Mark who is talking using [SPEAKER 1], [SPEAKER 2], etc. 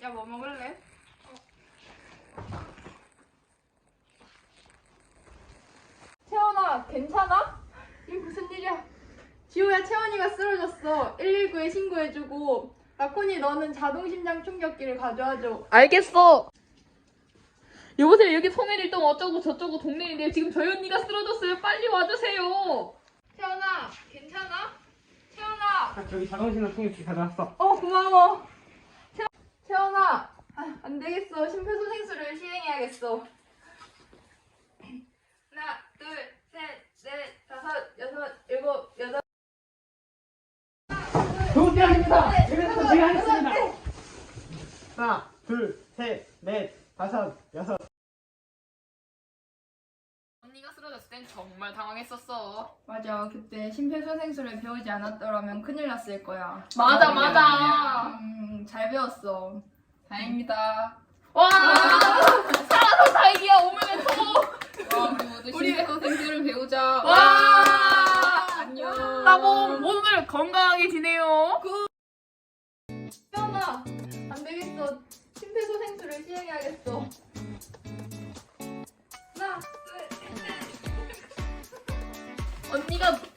[SPEAKER 1] 야, 뭐 먹을래? 채원아, 괜찮아? 이게 무슨 일이야? 지호야, 채원이가 쓰러졌어. 119에 신고해주고. 라코니, 너는 자동심장 충격기를 가져와줘.
[SPEAKER 2] 알겠어. 여보세요, 여기 송혜일동 어쩌고 저쩌고 동네인데 지금 저희 언니가 쓰러졌어요. 빨리 와주세요.
[SPEAKER 1] 채원아, 괜찮아? 채원아!
[SPEAKER 3] 저기 자동신호 충격기 가져왔어.
[SPEAKER 1] 고마워. 채원아, 안 되겠어. 심폐소생술을 시행해야겠어. 하나, 둘, 셋, 넷, 다섯, 여섯, 일곱, 여덟.
[SPEAKER 3] 좋은 데 아닙니다.
[SPEAKER 1] 네,
[SPEAKER 3] 여기서 제가 하겠습니다. 하나, 둘, 셋, 넷, 다섯, 여섯.
[SPEAKER 2] 언니가 쓰러졌을 땐 정말 당황했었어.
[SPEAKER 1] 맞아. 그때 심폐소생술을 배우지 않았더라면 큰일 났을 거야.
[SPEAKER 2] 맞아.
[SPEAKER 1] 잘 배웠어.
[SPEAKER 2] 다행입니다. 와! 살아서 다행이야. 오면서.
[SPEAKER 1] 우리
[SPEAKER 2] 심폐소생술을 배우자.
[SPEAKER 1] 와!
[SPEAKER 2] 안녕. 따봉 모두들 건강하게 지내요.
[SPEAKER 1] 채원아, 안 되겠어. 심폐소생술을 시행해야겠어. 하나, 둘, 셋.
[SPEAKER 2] 언니가